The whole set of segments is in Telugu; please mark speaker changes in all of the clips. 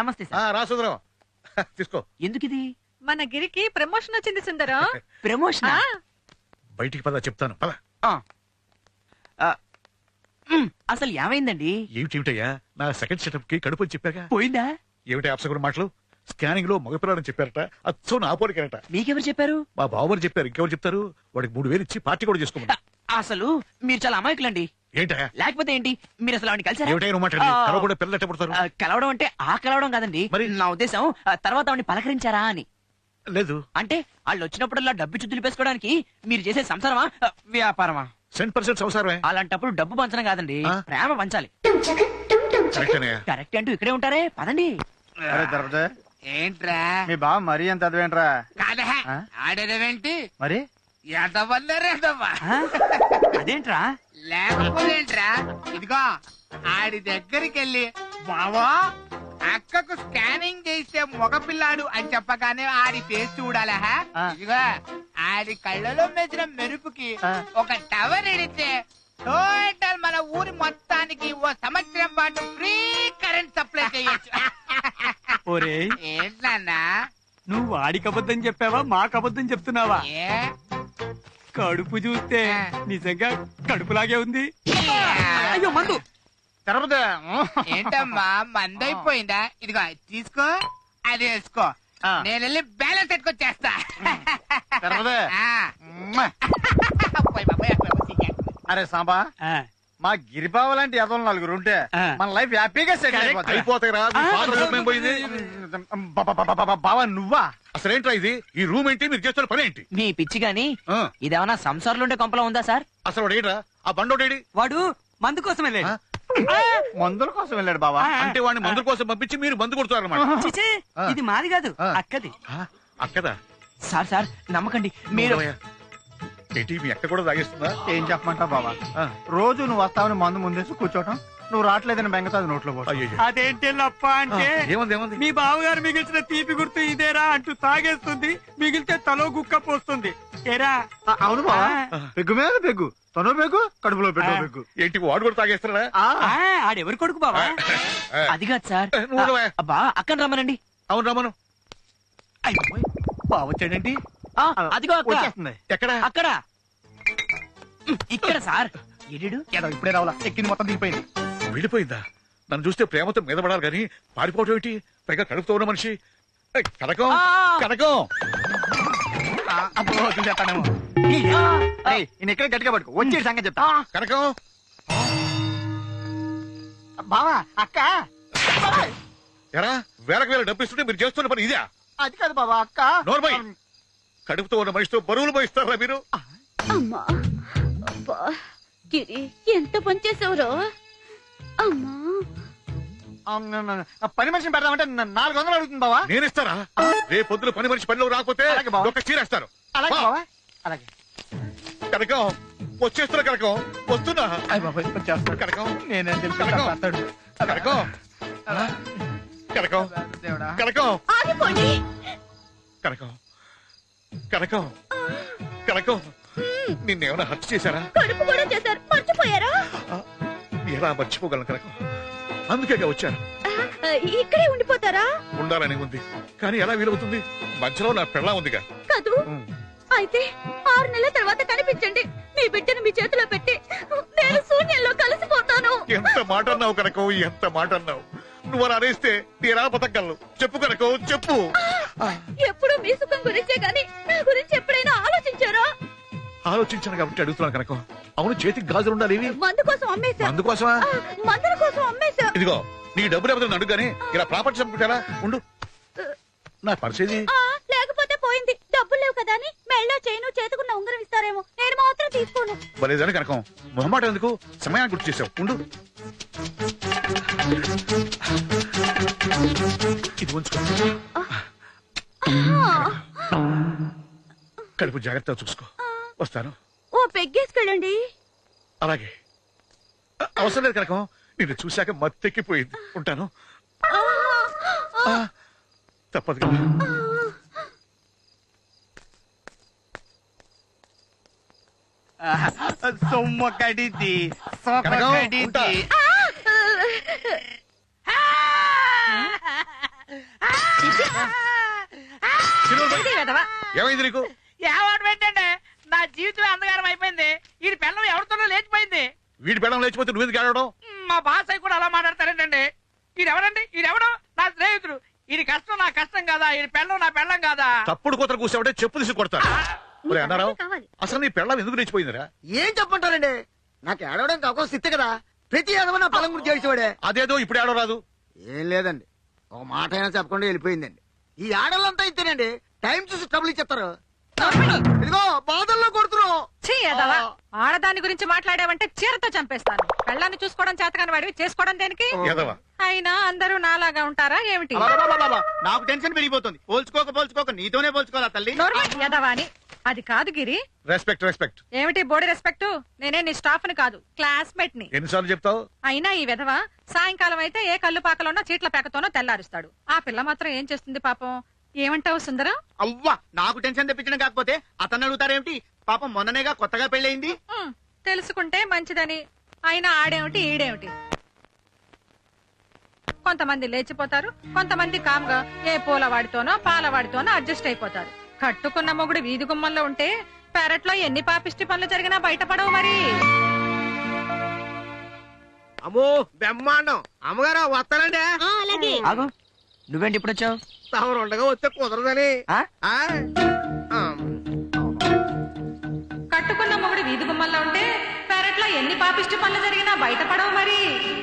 Speaker 1: నమస్తే సార్.
Speaker 2: రా సుందరం తీసుకో.
Speaker 1: ఎందుకు ఇది?
Speaker 3: మన గిరికి ప్రమోషన్ వచ్చింది సుందరం.
Speaker 1: ప్రమోషన్?
Speaker 2: బయటికి పద చెప్తాను పద.
Speaker 1: అసలు ఏమైందండి?
Speaker 2: ఏమిటయ్యా నా సెకండ్ సెటప్ కి కడుపు అని చెప్పాక
Speaker 1: పోయిందా?
Speaker 2: ఏమిటి అప్సగుడు మాటలు? స్కానింగ్ లో మగపిల్లాడని చెప్పారట. అచ్చో నా పోలికరట.
Speaker 1: మీకెవరు చెప్పారు?
Speaker 2: మా బావమని చెప్పారు. ఇంకెవరు చెప్తారు? వాడికి 3000 ఇచ్చి పార్టీ కూడా చేసుకోమని.
Speaker 1: అసలు మీరు చాలా అమాయకులండి.
Speaker 2: ఏంటయ్యా?
Speaker 1: లేకపోతే ఏంటి, మీరు అసలు ఆవిడ కలిసారా?
Speaker 2: ఏమిటైనా మాట్లాడి కలవకుండా పిల్లలు ఎట్ట పుడతారు?
Speaker 1: కలవడం అంటే ఆ కలవడం కాదండి.
Speaker 2: మరి
Speaker 1: నా ఉద్దేశం తర్వాత ఆవిడని పలకరించారా అని.
Speaker 2: లేదు.
Speaker 1: అంటే వాళ్ళు వచ్చినప్పుడల్లా డబ్బు చుద్దులు పేసుకోవడానికి మీరు చేసే సంసారమా వ్యాపారమా?
Speaker 2: 100% సంసారమే.
Speaker 1: అలాంటప్పుడు డబ్బు పంచడం కాదండి, ప్రేమ పంచాలి. కరెక్ట్ అంటూ ఇక్కడే ఉంటారే, పదండి.
Speaker 4: ఏంట్రా
Speaker 5: మీ బావ మరీ ఎంత అదవేంట్రా?
Speaker 4: కాదా ఆడేదేంటి
Speaker 5: మరి
Speaker 1: అదేంట్రా?
Speaker 4: లేకపోతేంట్రా, ఇదిగో ఆడి దగ్గరికి వెళ్ళి బావా అక్కకు స్కానింగ్ చేసే మగపిల్లాడు అని చెప్పగానే ఆడి ఫేస్ చూడాలా? ఇదిగో ఆడి కళ్ళలో మెచ్చిన మెరుపుకి ఒక టవర్ ఎడితే టోటల్ మన ఊరి మొత్తానికి ఓ సంవత్సరం పాటు ఫ్రీ కరెంట్ సప్లై చేయొచ్చు. ఏంటన్నా
Speaker 6: నువ్వు వాడికి అబద్ధం చెప్పావా మాకు అబద్ధం చెప్తున్నావా? కడుపు చూస్తే నిజంగా కడుపులాగే ఉంది.
Speaker 1: అయ్యో మందు
Speaker 4: ఏంటమ్మా మందైపోయిందా? ఇదిగో తీసుకో, అది వేసుకో, నేను వెళ్ళి బ్యాలెన్స్ పెట్టుకొచ్చేస్తా.
Speaker 5: అరే సాంబా, మా గిరిబావ లాంటి ఎదవలు 4 ఉంటే మన లైఫ్ హ్యాపీగా సెటిల్
Speaker 2: అయిపోతాయి.
Speaker 5: బావా నువ్వా?
Speaker 2: అసలేంట్రా ఇది? ఈ రూమ్ ఏంటి? మీరు చేస్తున్న పని ఏంటి?
Speaker 1: మీ పిచ్చి గాని ఇదేమన్నా సంసారంలో ఉండే కొంపలో ఉందా సార్?
Speaker 2: అసలు వాడు ఏంట్రా? ఆ బండోడేడి?
Speaker 6: వాడు మందు కోసం వెళ్ళాడు.
Speaker 5: మందుల కోసం వెళ్ళాడు బావా.
Speaker 2: అంటే వాడిని మందుల కోసం పంపించి మీరు మందు కొడుతారన్నమాట.
Speaker 6: ఇది మాది కాదు, అక్కది.
Speaker 2: అక్కదా?
Speaker 1: సార్ సార్ నమ్మకండి మీరు.
Speaker 2: ఏంటి మీ అక్క కూడా తాగేస్తుందా?
Speaker 5: ఏం చెప్పమంటావు బావా, రోజు నువ్వు వస్తావని మందు ముందేసి కూర్చోటం, నువ్వు రావట్లేదని బెంగతో అది నోట్లో పో.
Speaker 6: అదేంటి లప్ప అంటే
Speaker 2: ఏముంది?
Speaker 6: మీ బావగారు మిగిల్చిన తీపి గుర్తు ఇదేరా అంటూ తాగేస్తుంది, మిగిలితే తలో గుక్క పోస్తుంది. ఏరా?
Speaker 5: అవును బావా, పెగ్గు మీద పెగ్గు, తను పెగ్గు, కడుపులో పెట్టు పెగ్గు.
Speaker 2: ఏంటి వాడు కూడా తాగేస్తారా?
Speaker 6: ఆడెవరు కొడుకు బావా?
Speaker 1: అది కాదు సార్. అబ్బా అక్కడ రమ్మనండి.
Speaker 2: అవును రమ్మను.
Speaker 5: బావ వచ్చాడేంటి?
Speaker 1: అదిగో
Speaker 5: వచ్చేస్తుంది.
Speaker 2: ఎక్కడ?
Speaker 1: అక్కడ ఇక్కడ సార్. ఎడు
Speaker 5: ఇప్పుడే రావాలా, ఎక్కింది మొత్తం దిగిపోయింది.
Speaker 2: వెళ్ళిపోయిందా? నన్ను చూస్తే ప్రేమతో మీద పడాలి కానీ పారిపోవటం ఏంటి? పైగా కడుపుతో ఉన్న మనిషి. కనకం కనకం
Speaker 5: చూసేస్తానేమో. ఎక్కడ గట్టిగా పట్టుకో, వచ్చే సంగతి చెప్తా.
Speaker 2: కనకం
Speaker 5: బావా అక్క.
Speaker 2: ఎరా వేలకు వేల డబ్బు ఇస్తుంటే మీరు చేస్తున్న పని ఇదే?
Speaker 5: అది కాదు బావా అక్క.
Speaker 2: నోర్మై, కడుపుతో ఉన్న మనిషితో బరువులు పోయిస్తారా మీరు?
Speaker 7: అమ్మా అబ్బా గిరి ఎంత పని చేసావురో. అమ్మా
Speaker 5: పని మనిషిని పెడదామంటే 400 అడుగుతుంది బావా.
Speaker 2: నేనిస్తారా? రేపు పొద్దున పని మనిషి పనిలో రాకపోతే ఒక చీరేస్తారు.
Speaker 5: అలాగే బావా, అలాగే.
Speaker 2: కనకం వచ్చేస్తున్నా. కనకం వస్తున్నా. కనకం
Speaker 5: నేనేం తెలుసు
Speaker 2: కనకం కనకం కనకం
Speaker 7: ఆగిపోండి.
Speaker 2: కనకం కనకం కనకం నిన్నేమైనా హత్య చేశారా?
Speaker 7: కడుపు కూడా చేశారు, మర్చిపోయారా?
Speaker 2: ఎలా మర్చిపోగలను కనకం? అందుకేగా వచ్చాను.
Speaker 7: ఇక్కడే ఉండిపోతారా?
Speaker 2: ఉండాలని ఉంది కానీ ఎలా వీలవుతుంది? మధ్యలో నా పెళ్ళా ఉందిగా.
Speaker 7: కాదు, అయితే 6 నెలల తర్వాత కనిపించండి. మీ బిడ్డను మీ చేతిలో పెట్టి నేను శూన్యంలో కలిసిపోతాను.
Speaker 2: ఎంత మాట అన్నావు కనకం, ఎంత మాట అన్నావు. నువ్వు అలా అనేస్తే నేరా బతకగలను. చెప్పు కనకం చెప్పు.
Speaker 7: ఎప్పుడు మీ సుఖం గురించే గాని నా గురించి ఎప్పుడైనా ఆలోచించారా?
Speaker 2: ఆలోచించాను కాబట్టి అడుగుతున్నాను కనకం. అవును, చేతికి గాజులు ఉండాలి.
Speaker 7: మందు కోసం అమ్మేశా.
Speaker 2: అందుకోసమా?
Speaker 7: మందుల కోసం అమ్మేశా.
Speaker 2: ఇదిగో నీ డబ్బులు ఎవరైనా అడుగుగానే ఇలా ప్రాపర్టీ చంపుకుంటారా? ఉండు, నా పరిస్థితి.
Speaker 7: లేకపోతే పోయింది. డబ్బులు లేవు కదా అని మెళ్ళో చైను చేతుకున్న ఉంగరం ఇస్తారేమో, నేను మాత్రం తీసుకోను.
Speaker 2: బలేదని కనకం, మొహమాట ఎందుకు? సమయాన్ని గుర్తు చేసావు. ఉండు, ఇది ఉంచుకో. కడుపు జాగ్రత్తగా చూసుకో. వస్తాను.
Speaker 7: ఓ పెగ్గేసుకెళ్ళండి.
Speaker 2: అలాగే. అవసరం లేదు కనకం, నిన్ను చూశాక మత్తెక్కిపోయింది. ఉంటాను. తప్పదు కదా.
Speaker 5: సొమ్మ కడిది
Speaker 3: ఇది వెధవా.
Speaker 2: ఏమైంది నీకు?
Speaker 4: ఏవాడు ఏంటంటే నా జీవితం అంధకారం అయిపోయింది. ఈ పిల్లం ఎవరితోనో లేచిపోయింది.
Speaker 2: వీడి పెళ్ళం లేచిపోతే నువ్వు ఆడడం?
Speaker 4: మా బాస్ అయి కూడా అలా మాట్లాడతారేంటండి? ఈడెవరండి? ఈడెవడో నా స్నేహితుడు. ఇది కష్టం నా కష్టం కాదా? ఈ పెళ్ళం నా పెళ్ళం కాదా?
Speaker 2: తప్పుడు కూతురు కూర్చోబట్టే చెప్పు తీసి కొడతాను. ఒరే అన్నారావు,
Speaker 7: కావాలి.
Speaker 2: అసలు నీ పెళ్ళం ఎందుకు లేచిపోయిందిరా?
Speaker 8: ఏం చెప్పంటారండి? నాకు ఏడవడానికి అవకాశం ఇస్తే కదా. ప్రతి ఏదవ నా పొలం గురించి చేసేవాడే.
Speaker 2: అదేదో ఇప్పుడు ఆడో రాదు.
Speaker 8: ఏం లేదండి, ఒక మాట అయినా చెప్పకుండా వెళ్ళిపోయిందండి. ఈ ఆడలంతా ఇస్తేనండి టైం చూసి ట్రబుల్ ఇచ్చేస్తారు. ఇదిగో బాధల్లో కొడుతున్నావు.
Speaker 3: ఛీ, వెధవా. ఆడదాని గురించి మాట్లాడావంటే చీరతో చంపేస్తాను. పెళ్ళాన్ని చూసుకోవడం చేతకాని వాడివి, చేసుకోవడం దేనికి?
Speaker 2: ఎదవా.
Speaker 3: అయినా అందరూ నాలాగా ఉంటారా ఏమిటి?
Speaker 5: అబ్బబ్బబ్బబ్బబ్బ, నాకు టెన్షన్ పెరిగిపోతుంది. పోల్చుకోక నీతోనే పోల్చుకోవాలా తల్లి?
Speaker 3: ఎదవా అని. అది కాదు గిరి.
Speaker 2: Respect respect.
Speaker 3: ఏమిటి బోడి రెస్పెక్ట్? నేనే నీ స్టాఫ్ ని కాదు, క్లాస్మేట్ ని.
Speaker 2: ఎన్నిసార్లు చెప్తావు?
Speaker 3: అయినా ఈ విధవ సాయంకాలం అయితే ఏ కళ్ళు పాకలోనో చీట్ల పేకతోనో తెల్లారుస్తాడు. ఆ పిల్ల మాత్రం ఏం చేస్తుంది పాపం? ఏమంటావు సుందరం?
Speaker 5: అవ్వా, నాకు టెన్షన్ తెప్పించడం కాకపోతే అతను అడుగుతారేమిటి? పాపం మొన్ననేగా కొత్తగా పెళ్ళయింది.
Speaker 3: తెలుసుకుంటే మంచిదని. అయినా ఆడేమిటి ఈడేమిటి? కొంతమంది లేచిపోతారు, కొంతమంది కామ్గా ఏ పూలవాడితోనో పాలవాడితోనో అడ్జస్ట్ అయిపోతారు. కట్టుకున్న మొగుడు వీధి గుమ్మంలో ఉంటే పెరట్లో ఎన్ని పాపిష్టి పనులు జరిగినా బయటపడవు మరి.
Speaker 8: అమ్మో బ్రహ్మాండం. అమ్మగారు వస్తానండి.
Speaker 7: అలాగే.
Speaker 1: ఆగు, నువ్వేంటి ఇప్పుడు వచ్చావు?
Speaker 8: తమరు ఉండగా వస్తే కుదరదని.
Speaker 3: కట్టుకున్న మొగుడు వీధి గుమ్మంలో ఉంటే పెరట్లో ఎన్ని పాపిష్టి పనులు జరిగినా బయటపడవు మరి.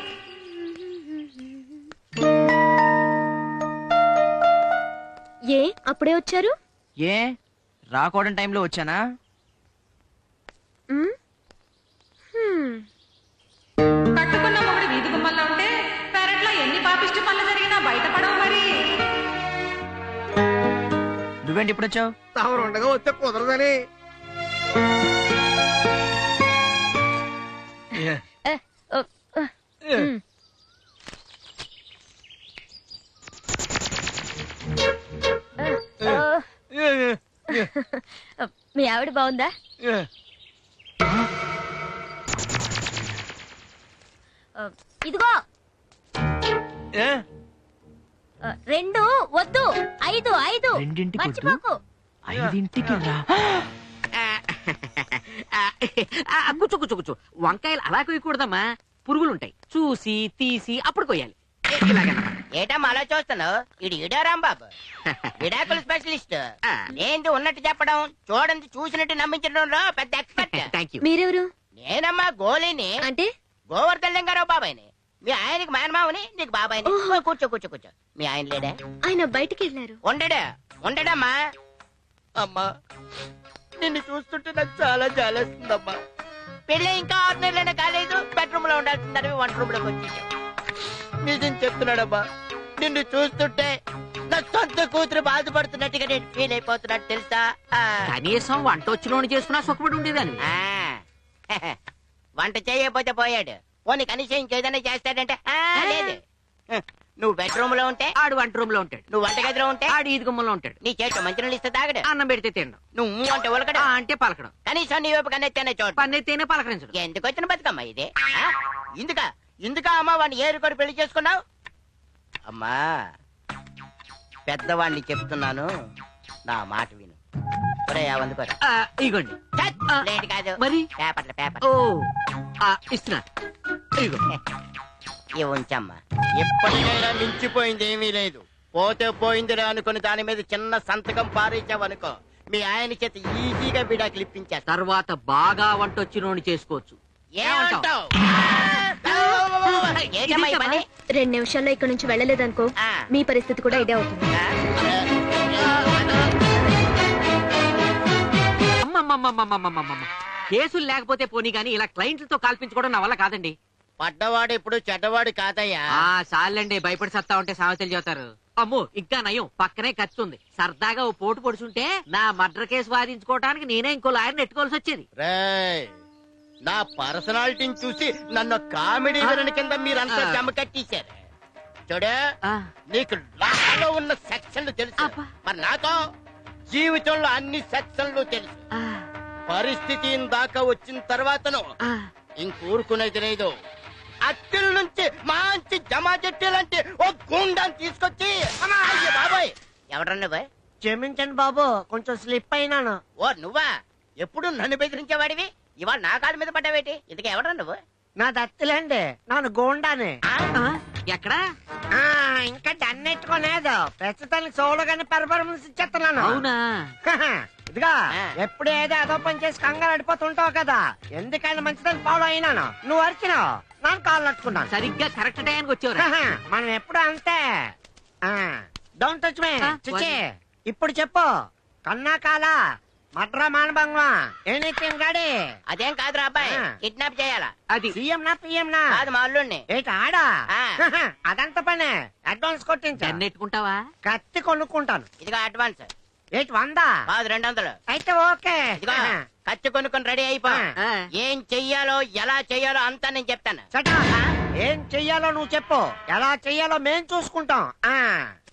Speaker 7: ఏ అప్పుడే వచ్చారు?
Speaker 1: ఏ రాకూడని టైంలో వచ్చానా?
Speaker 7: మ్? హ్మ్.
Speaker 3: కట్టుకున్న మొగుడు వీధి గుమ్మంలో ఉంటే పెరట్లో ఎన్ని పాపిష్టి పనులు జరిగినా బయటపడవు మరి.
Speaker 1: నువ్వేంటి ఇప్పుడు వచ్చావు?
Speaker 8: తమరు ఉండగా వస్తే కుదరదని.
Speaker 7: మ్. మీ ఆవిడ బాగుందా? ఇదిగో 2 వద్దు 5
Speaker 1: రెండింటికి వద్దు?
Speaker 7: మర్చిపోకు.
Speaker 1: 5ంటికి రా.
Speaker 9: కూర్చో వంకాయలు అలా కొయ్యకూడదమ్మా, పురుగులుంటాయి. చూసి తీసి అప్పుడు కొయ్యాలి.
Speaker 10: ఏటమ్మా అలా చూస్తున్నావు? ఇది ఇడా రాంబాబు, విడాకుల స్పెషలిస్ట్. ఏంటి ఉన్నట్టు చెప్పడం, చూడండి చూసినట్టు నమ్మించడంలో పెద్ద ఎక్స్పర్ట్.
Speaker 9: Thank you.
Speaker 7: మీరెవరు?
Speaker 10: నేనమ్మా గోళీని,
Speaker 7: అంటే
Speaker 10: గోవర్ధన్ లింగారావు బాబాయ్ని. మీ ఆయనకి మేనమావని, నీకు బాబాయ్ని. కూర్చో. మీ ఆయన లేడా?
Speaker 7: ఆయన బయటికి వెళ్ళారు.
Speaker 10: ఉండడమ్మా. అమ్మా నిన్ను చూస్తుంటే నాకు చాలా జాలేస్తుందమ్మా. పెళ్ళి ఇంకా 6 నెలలైనా కాలేదు, బెడ్రూమ్ లో ఉండాల్సిందని వంట రూమ్ లోకి వచ్చేసాం. నిజం చెప్తున్నాడమ్మా, నిన్ను చూస్తుంటే నా సొంత కూతురు బాధపడుతున్నట్టుగా నేను ఫీల్ అయిపోతున్నట్టు తెలుసా?
Speaker 9: కనీసం వంట వచ్చినోని చేసుకున్నా సుఖపడి ఉండేదాన్ని.
Speaker 10: వంట చేయకపోతే పోయాడు, పోనీ కనీసం ఇంకేదైనా చేస్తాడంటే లేదు. నువ్వు బెడ్రూమ్ లో ఉంటే
Speaker 9: ఆడు వంట రూమ్ లో ఉంటాడు,
Speaker 10: నువ్వు వంటగదిలో ఉంటే
Speaker 9: ఆడు ఈది గుమ్మంలో ఉంటాడు.
Speaker 10: నీ చేతిలో మంచినీళ్ళు ఇస్తే తాగడు,
Speaker 9: అన్నం పెడితే తినడం,
Speaker 10: నువ్వు అంటే ఉలకడం,
Speaker 9: అంటే పలకడం,
Speaker 10: కనీసం నీ వైపు కన్నెత్తేనే చోటు.
Speaker 9: పన్నెత్తేనే పలకరించడం.
Speaker 10: ఎందుకు వచ్చిన బతుకమ్మా ఇది? ఇందుకా అమ్మా వాడిని ఏరుకొని పెళ్లి చేసుకున్నావు? అమ్మా పెద్దవాడిని చెప్తున్నాను, నా మాట విను. అందుకోరు
Speaker 9: ఇగోండి.
Speaker 10: లేట్ కాదు
Speaker 9: మరి
Speaker 10: పేపర్
Speaker 9: ఓ ఇస్తున్నా. ఇగో
Speaker 10: ఇవి ఉంచమ్మా. ఎప్పటికైనా మించిపోయింది ఏమీ లేదు. పోతే పోయిందిరా అనుకుని దాని మీద చిన్న సంతకం పారేసావనుకో, మీ ఆయన చేత ఈజీగా విడాకులు ఇప్పించేస్తా.
Speaker 9: తర్వాత బాగా వంట వచ్చినోని చేసుకోవచ్చు.
Speaker 10: ఏమంటావ్? ఏటమ్మా ఈ పని?
Speaker 7: 2 నిమిషాల్లో ఇక్కడ నుంచి వెళ్ళలేదనుకో, మీ పరిస్థితి కూడా ఇదే అవుతుంది.
Speaker 9: అమ్మమ్మమ్మమ్మమ్మమ్మమ్మ, కేసులు లేకపోతే పోనీ గానీ ఇలా క్లయింట్లతో కాల్పించుకోవడం నా వల్ల కాదండి.
Speaker 10: పడ్డవాడు ఇప్పుడు చెడ్డవాడు కాదయ్యా.
Speaker 9: చాలండి, భయపడి సత్తా ఉంటే సామెతలు చెబుతారు. అమ్మో ఇంకా నయం, పక్కనే ఖర్చు ఉంది. సరదాగా ఓ పోటు పొడుచుంటే నా మర్డర్ కేసు వాదించుకోవడానికి నేనే ఇంకో లాయర్ని ఎట్టుకోవాల్సి వచ్చేది.
Speaker 10: నా పర్సనాలిటీని చూసి నన్ను కామెడీ విలన్ కింద మీరంతా జమ కట్టేశారు. చూడు, నీకు లాలో ఉన్న సెక్షన్లు తెలుసు, మరి నాతో జీవితంలో అన్ని సెక్షన్లు తెలుసు. పరిస్థితి దాకా వచ్చిన తర్వాతను ఇంకూరుకునేది లేదు. అత్తిల నుంచి మంచి జమా చెట్టు లాంటి ఓ గుండాన్ని తీసుకొచ్చి అయ్య బాబాయ్ ఎవడరా నువ్వు?
Speaker 9: క్షమించండి బాబు, కొంచెం స్లిప్ అయినాను.
Speaker 10: ఓ నువ్వా? ఎప్పుడు నన్ను బెదిరించేవాడివి, ఇవాళ నా కాళ్ళ మీద పడ్డావేటి? ఇంతకీ ఎవడరా నువ్వు?
Speaker 9: నా దత్తులేండి, నాను గోండానే. ఎక్కడా? ఇంకా డన్నెట్టుకోలేదు, ప్రస్తుతానికి సోలోగానే పెర్ఫార్మెన్స్ ఇచ్చేస్తున్నాను. అవునా? ఇదిగా ఎప్పుడు ఏదో అదో పని చేసి కంగారు అడిపోతుంటావు కదా, ఎందుకైనా మంచిదని ఫాలో అయినాను. నువ్వు అరిచినావు, నాకు కాళ్ళు నట్టుకున్నాను. సరిగ్గా కరెక్ట్ టైంకి వచ్చావు. మనం ఎప్పుడు అంతే. Don't touch me. చిచి, ఇప్పుడు చెప్పు, కన్నా కాలా మడ్రా మానభంగం ఎనీథింగ్ గాడి?
Speaker 10: అదేం కాదురా అబ్బాయి, కిడ్నాప్ చేయాలా?
Speaker 9: అది సీఎం నా పిఎం నా?
Speaker 10: కాదు మా అల్లుడిని.
Speaker 9: ఏంటి ఆడా? అదంత పనే, అడ్వాన్స్ కొట్టించా. నెట్టుకుంటావా? కత్తి కొనుక్కుంటాను.
Speaker 10: ఇదిగో అడ్వాన్స్.
Speaker 9: ఏంటి 100?
Speaker 10: కాదు 200.
Speaker 9: అయితే ఓకే.
Speaker 10: ఇదిగో కత్తి కొనుక్కొని రెడీ అయిపో. ఏం చెయ్యాలో ఎలా చెయ్యాలో అంతా నేను చెప్తాను.
Speaker 9: ఏం చెయ్యాలో నువ్వు చెప్పు, ఎలా చెయ్యాలో మేం చూసుకుంటాం.